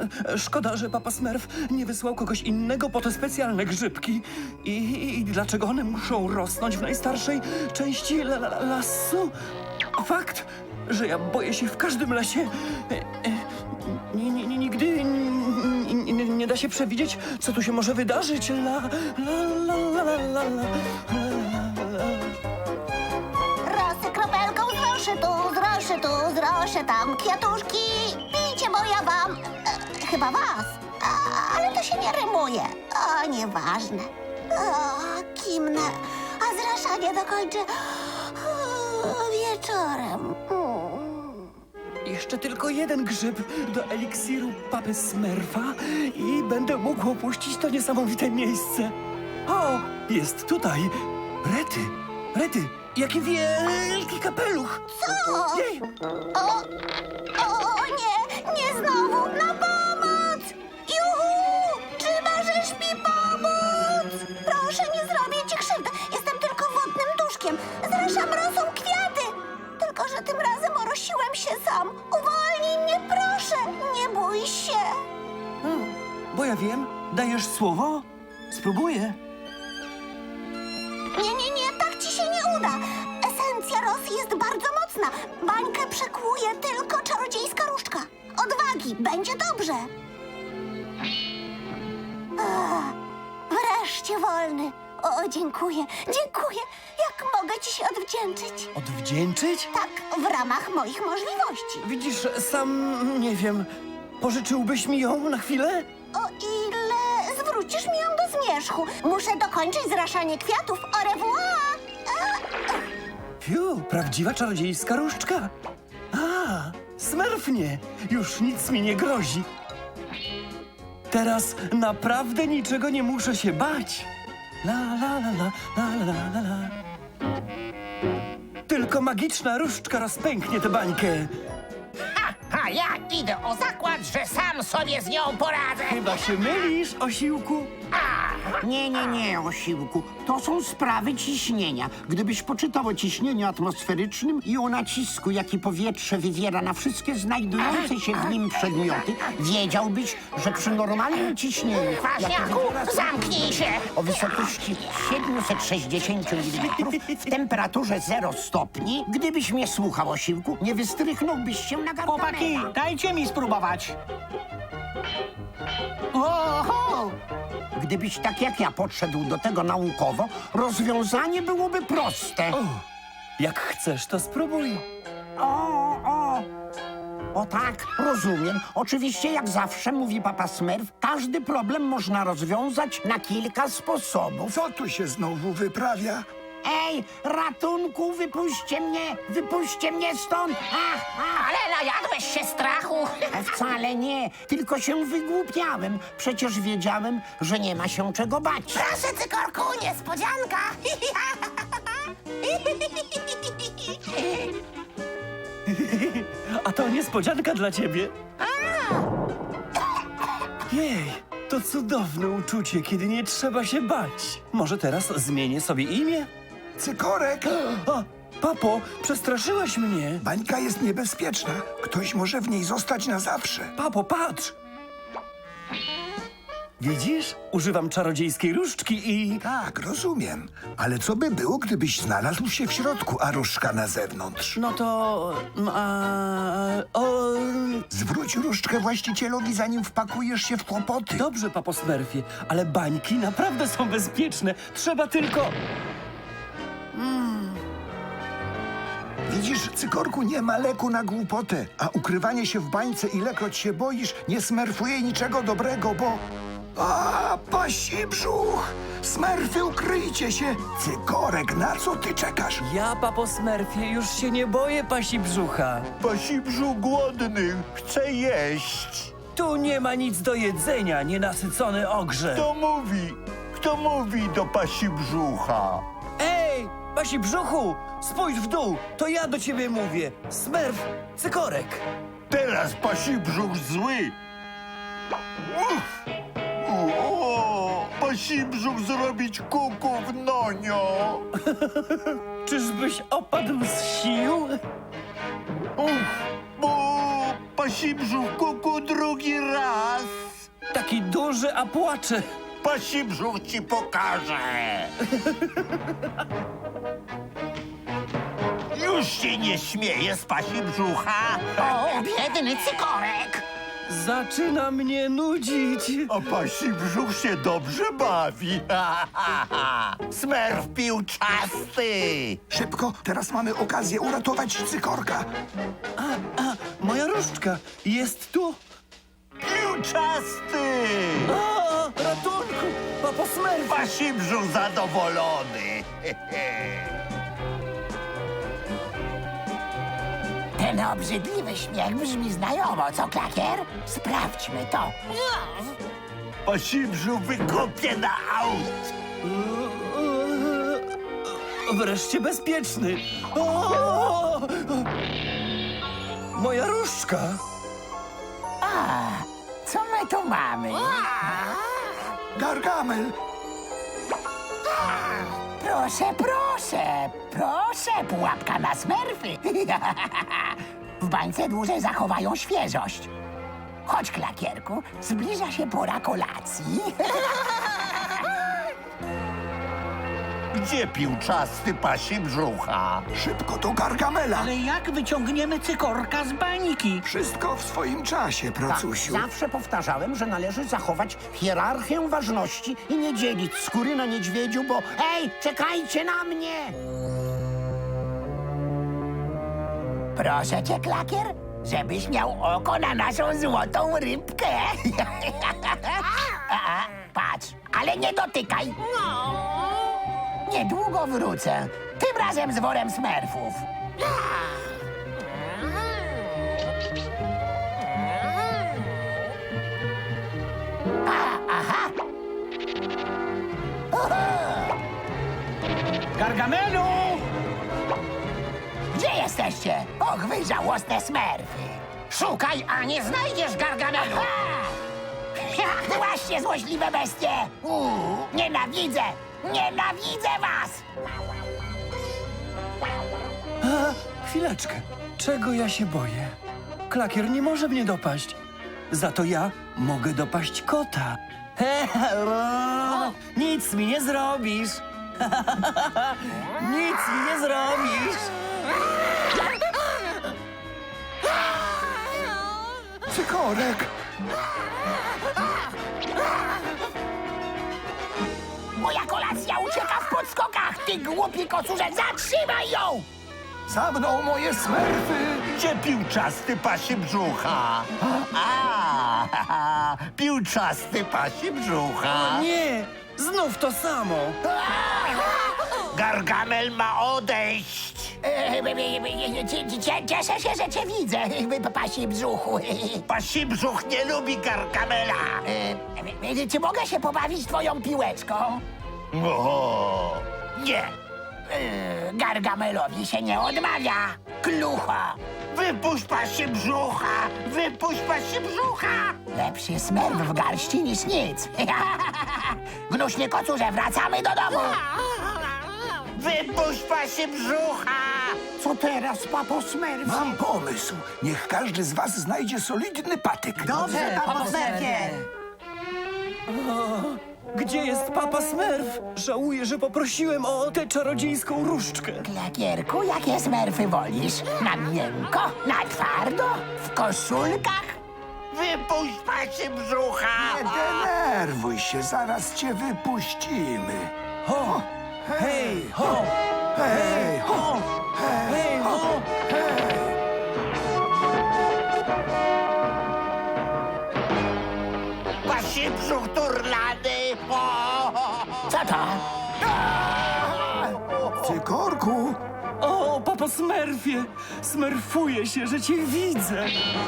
Szkoda, że papa Smurf nie wysłał kogoś innego po te specjalne grzybki. I dlaczego one muszą rosnąć w najstarszej części lasu? Fakt, że ja boję się w każdym lesie. Nigdy nie da się przewidzieć, co tu się może wydarzyć. Rosy kropelką z rosy tam kwiatuszki. Pijcie, bo ja wam... chyba was. Ale to się nie rymuje. O, nieważne. O, kimnę. A zraszanie dokończę wieczorem. Jeszcze tylko jeden grzyb do eliksiru papy Smurfa i będę mógł opuścić to niesamowite miejsce. O, jest tutaj. Rety, jaki wielki kapeluch. Co? Jej, O nie znowu! Na pomoc! Juhu! Czy możesz mi pomóc? Proszę, nie zrobię ci krzywdy. Jestem tylko wodnym duszkiem. Zraszam rosą kwiaty. Tylko że tym razem orosiłem się sam. Uwolnij mnie, proszę. Nie bój się. bo ja wiem, dajesz słowo? Spróbuję. Nie, tak ci się nie uda. Esencja rosy jest bardzo mocna. Bańkę przekłuje tylko czarodziejska różdżka. Odwagi, będzie dobrze. Wreszcie wolny. O, dziękuję. Jak mogę ci się odwdzięczyć? Odwdzięczyć? Tak, w ramach moich możliwości. Widzisz, sam nie wiem. Pożyczyłbyś mi ją na chwilę? O ile zwrócisz mi ją do zmierzchu. Muszę dokończyć zraszanie kwiatów. Au revoir. Fiu, prawdziwa czarodziejska różdżka. Smurfnie, już nic mi nie grozi. Teraz naprawdę niczego nie muszę się bać. La. Tylko magiczna różdżka rozpęknie tę bańkę. A ja idę o zakład, że sam sobie z nią poradzę. Chyba się mylisz, osiłku. Nie, Osiłku. To są sprawy ciśnienia. Gdybyś poczytał o ciśnieniu atmosferycznym i o nacisku, jaki powietrze wywiera na wszystkie znajdujące się w nim przedmioty, wiedziałbyś, że przy normalnym ciśnieniu, jakie Kwaśniaku, wywiera zamknij się! o wysokości 760 mm w temperaturze 0 stopni, gdybyś mnie słuchał, Osiłku, nie wystrychnąłbyś się na Chłopaki, Gargamela. dajcie mi spróbować. Oho! Gdybyś tak jak ja podszedł do tego naukowo, rozwiązanie byłoby proste. Jak chcesz, to spróbuj. O tak, rozumiem. Oczywiście, jak zawsze, mówi papa Smurf, każdy problem można rozwiązać na kilka sposobów. Co tu się znowu wyprawia? Ej, ratunku, wypuśćcie mnie stąd! Ale najadłeś się strachu. Wcale nie, tylko się wygłupiałem. Przecież wiedziałem, że nie ma się czego bać. Proszę, Cykorku, niespodzianka. A to niespodzianka dla ciebie. Jej, to cudowne uczucie, kiedy nie trzeba się bać. Może teraz zmienię sobie imię? Cykorek! O, papo, przestraszyłeś mnie. Bańka jest niebezpieczna. Ktoś może w niej zostać na zawsze. Papo, patrz! Widzisz? Używam czarodziejskiej różdżki i... Tak, rozumiem. Ale co by było, gdybyś znalazł się w środku, a różdżka na zewnątrz? No to... Zwróć różdżkę właścicielowi, zanim wpakujesz się w kłopoty. Dobrze, papo Smurfie, ale bańki naprawdę są bezpieczne. Trzeba tylko... Widzisz, Cykorku, nie ma leku na głupotę, a ukrywanie się w bańce, ilekroć się boisz, nie smerfuje niczego dobrego, bo... pasi brzuch! Smerfy, ukryjcie się! Cykorek, na co ty czekasz? Ja, papo Smurfie, już się nie boję pasi brzucha. Pasi brzuch głodny, chce jeść. Tu nie ma nic do jedzenia, nienasycony ogrze. Kto mówi do pasi brzucha? Ej, pasi brzuchu, spójrz w dół, to ja do ciebie mówię. Smurf, Cykorek. Teraz pasi brzuch zły. Pasi brzuch zrobić kuku w nonio. Czyżbyś opadł z sił? Bo pasi Pasi brzuch kuku drugi raz. Taki duży, a płacze. Pasi brzuch ci pokaże. Już się nie śmieje z pasi brzucha. O, biedny cykorek! Zaczyna mnie nudzić. A pasi brzuch się dobrze bawi. Smerf piłczasty. Szybko, teraz mamy okazję uratować cykorka. Moja różdżka jest tu. Piłczasty. O, ratunku! Papo Smurf! Pasi brzuch zadowolony. Ten obrzydliwy śmiech brzmi znajomo, co, Klakier? Sprawdźmy to. Pasi brzuch wykopie na aut. Wreszcie bezpieczny. O! Moja różdżka. Co my tu mamy? Gargamel, Proszę, proszę, proszę, pułapka na smerfy. W bańce dłużej zachowają świeżość. Chodź, Klakierku, zbliża się pora kolacji. Gdzie piłczasty pasi brzucha? szybko do Gargamela. Ale jak wyciągniemy cykorka z bańki? Wszystko w swoim czasie, pracusiu. Zawsze powtarzałem, że należy zachować hierarchię ważności i nie dzielić skóry na niedźwiedziu, bo hej, czekajcie na mnie! Proszę cię, Klakier, żebyś miał oko na naszą złotą rybkę. Patrz, ale nie dotykaj. Niedługo wrócę. Tym razem z worem smerfów. Aha. Gargamelu! Gdzie jesteście? Och, wy żałosne smerfy. Szukaj, a nie znajdziesz Gargamelu. Właśnie, złośliwe bestie. Nienawidzę! Nienawidzę was! Chwileczkę. Czego ja się boję? Klakier nie może mnie dopaść. Za to ja mogę dopaść kota. Nic mi nie zrobisz. Nic mi nie zrobisz. Cykorek, Moja kolacja ucieka w podskokach! Ty głupi kocurze, zatrzymaj ją! za mną moje smerfy. Gdzie piłczasty pasi brzucha? Piłczasty pasi brzucha. Nie, znów to samo. Gargamel ma odejść. Cieszę się, że cię widzę, pasi brzuchu. Pasi brzuch nie lubi Gargamela. Czy mogę się pobawić twoją piłeczką? O, nie. Gargamelowi się nie odmawia. Klucho! Wypuść pasi brzucha. Wypuść pasi brzucha. Lepszy smerf w garści niż nic. Gnuśny kocurze, wracamy do domu. Wypuść pasi brzucha. Co teraz, papo Smurf? Mam pomysł. Niech każdy z was znajdzie solidny patyk. Dobrze, papo Smurfie! Gdzie jest Papa Smurf? Żałuję, że poprosiłem o tę czarodziejską różdżkę. Klakierku, jakie smerfy wolisz? Na miękko? Na twardo? W koszulkach? Wypuść pasi brzucha. Nie denerwuj się, zaraz cię wypuścimy. Ho! Hej, ho! Hej, ho! Hej, ho! Pasi brzuch turlany. Co to? Cykorku, O, Papo Smurfie! Smerfuję się, że cię widzę.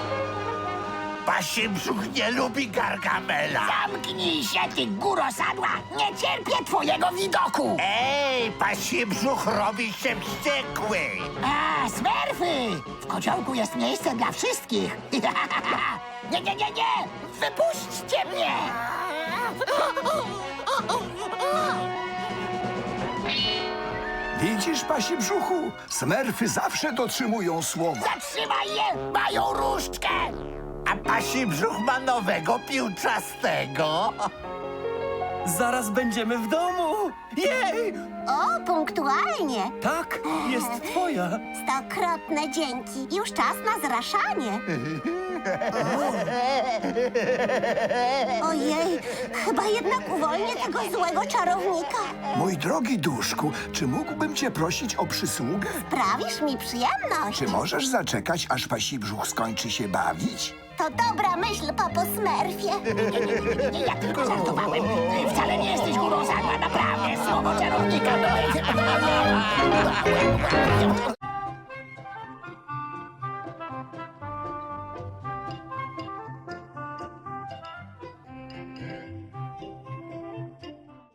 Pasi brzuch nie lubi Gargamela. Zamknij się, ty góro sadła! Nie cierpię twojego widoku! Ej, pasi brzuch robi się wściekły. A, smerfy! W kociołku jest miejsce dla wszystkich. Nie, nie, nie, nie! Wypuśćcie mnie! Widzisz, pasi brzuchu? Smerfy zawsze dotrzymują słowa. Zatrzymaj je! Mają różdżkę! A pasi brzuch ma nowego piłczastego. Zaraz będziemy w domu! Jej! O, punktualnie. Tak, jest twoja. Stokrotne dzięki. Już czas na zraszanie. Ojej, chyba jednak uwolnię tego złego czarownika. Mój drogi duszku, czy mógłbym cię prosić o przysługę? Sprawisz mi przyjemność. Czy możesz zaczekać, aż pasi brzuch skończy się bawić? To dobra myśl, papo Smurfie. Nie, ja tylko żartowałem. Wcale nie jesteś górą sagła, naprawdę. Słowo czarownika to jest...